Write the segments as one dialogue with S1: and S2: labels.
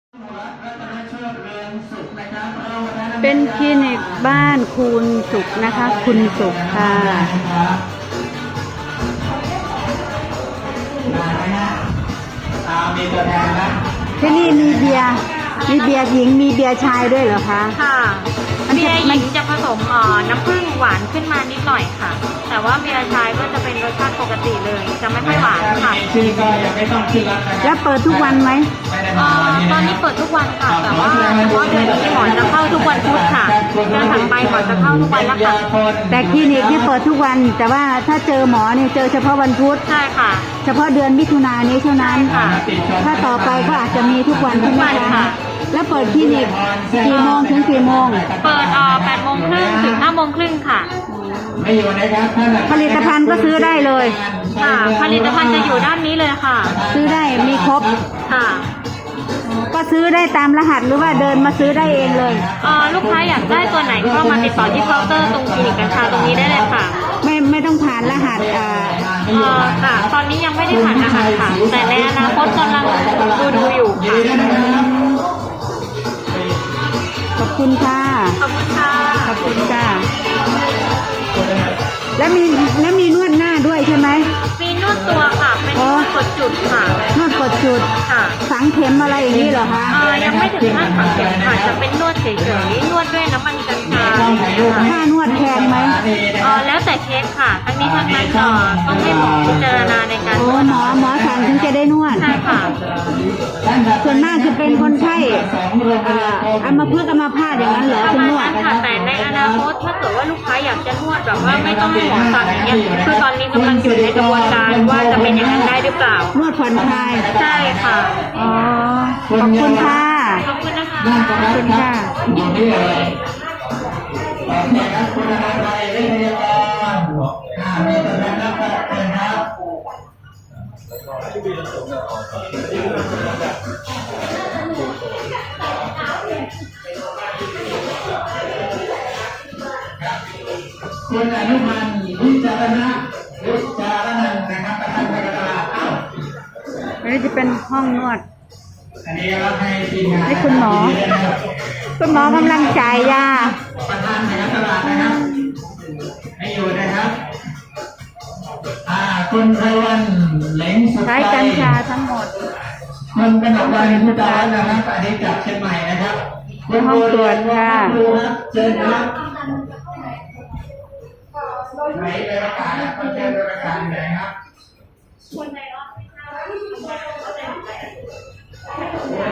S1: เป็นคลินิกบ้านคุณสุขนะคะคุณสุขค่ะ
S2: มีตัวแทนนะ
S1: ที่นี่มีเบียร์หญิงมีเบียร์ชายด้วยเหรอคะ
S3: ค่ะเบียร์หญิงจะผสมน้ำผึ้งหวานขึ้นมานิดหน่อยค่ะแต่ว่าเบียร์ชายก็จะเป็นรสชาติปกติเลยจะไม่ค่อยหวานค่ะ
S2: ชื่อก็ยังไม่ต้องขึ้นรับนะครับ
S1: แล้วเปิดทุกวันไหม
S3: ตอนนี้เปิดทุกวันค่ะแต่ว่าเฉพาะเดือนนี้หมอจะเข้าทุกวันพุธค่ะเดือนถัดไปหมอจะเข้าทุกวันแล้วค่ะ
S1: แต่คลินิกที่เปิดทุกวันแต่ว่าถ้าเจอหมอเนี่ยเจอเฉพาะวันพุธ
S3: ใช่ค่ะ
S1: เฉพาะเดือนมิถุนายนนี้เท่านั้นถ้าต่อไปก็อาจจะมีทุกวันใช่ไหมคะแล้วเปิดคลินิกกี่โมงถึงกี่โมง
S3: เปิด8 โมงครึ่งถึง5 โมงครึ่งค่ะ
S1: ผลิตภัณฑ์ก็ซื้อได้เลย
S3: ค่ะผลิตภัณฑ์จะอยู่ด้านนี้เลยค่ะ
S1: ซื้อได้มีครบ
S3: ค่ะ
S1: ก็ซื้อได้ตามรหัสหรือว่าเดินมาซื้อได้เองเลย
S3: ลูกค้าอยากได้ตัวไหนก็มาติดต่อที่เคาน์เตอร์ตรงคลินิกกัญชาตรงนี้ได้เลยค่ะ
S1: ไม่ต้องผ่านรหัส
S3: ค่ะตอนนี้ยังไม่ได้ผ่านรหัสค่ะแต่ในอนาคตกำลังดูอยู่ค่ะ
S1: ขอบคุณค่ะ
S3: ขอบคุณค่ะ
S1: ขอบคุณค่ะแล้วมีนวดหน้าด้วยใช่ไหม
S3: มีนวดตัวค่ะเป็นนวดกดจุดค่ะ
S1: นวดกดจุด
S3: ค่ะ
S1: ฝังเข็มอะไรอย่างนี้เหรอคะ
S3: ยังไม่ถึงขั้นฝังเข็มค่ะจะเป็นนวดเฉยๆนวดด้วยน้ำมันกัญชา
S1: ค่านวดแพงไหม
S3: แล้วแต่เคสค่ะทั้งนี้ทั้งนั้นต้องให้หมอพิจารณาในการนวด
S1: หมอสั่งถึงจะได้นวด
S3: ใช่ค่ะ
S1: ส่วนมากจะเป็นคนไข้อัมพฤกษ์อัมพาตอย่างนั้นเหรอคุณนวด
S3: ค่ะแต่ในอนาคตถ้าเกิดว่าลูกค้าอยากจะนวดแบบว่าไม่ต้องให้หมอสั่งอย่างเงี้ยคือตอนนี้กำลังอยู่ในกระบวนการว่าจะเป็นอย่างนั้นได้หรือเปล่าน
S1: วดผ่อนคลาย
S3: ใช่ค่ะ
S1: ขอบคุณค่ะ
S3: ขอบคุณนะคะ
S1: ขอบคุณค่ะ
S2: คุณอะไรเรื่องพยาบาลมีตัวแทนรับเป็นครับคุณอนุพันธ์วิจารณะนะครับประธานกรรมการ
S1: อันนี้จะเป็นห้องนวด
S2: อันนี้เราให้ทีมงาน
S1: ให้คุณหมอกำลังจ่ายยา
S2: ประธานในตลาดนะครับให้อยู่นะครับคุณไพวันเหลงสุดใจ
S1: ใช้กัญชาทั้งหมด
S2: มันเป็นของวันพุทธานะครับอันนี้จากเชียงใหม่นะครับ
S1: ห้องตรวจค่ะ
S2: เชิญครับไหนไปประกาศนะเชิญไปประกาศไหนครับ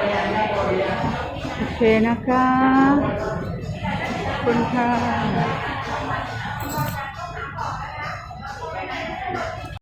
S1: โอเคนะคะขอบคุณค่ะ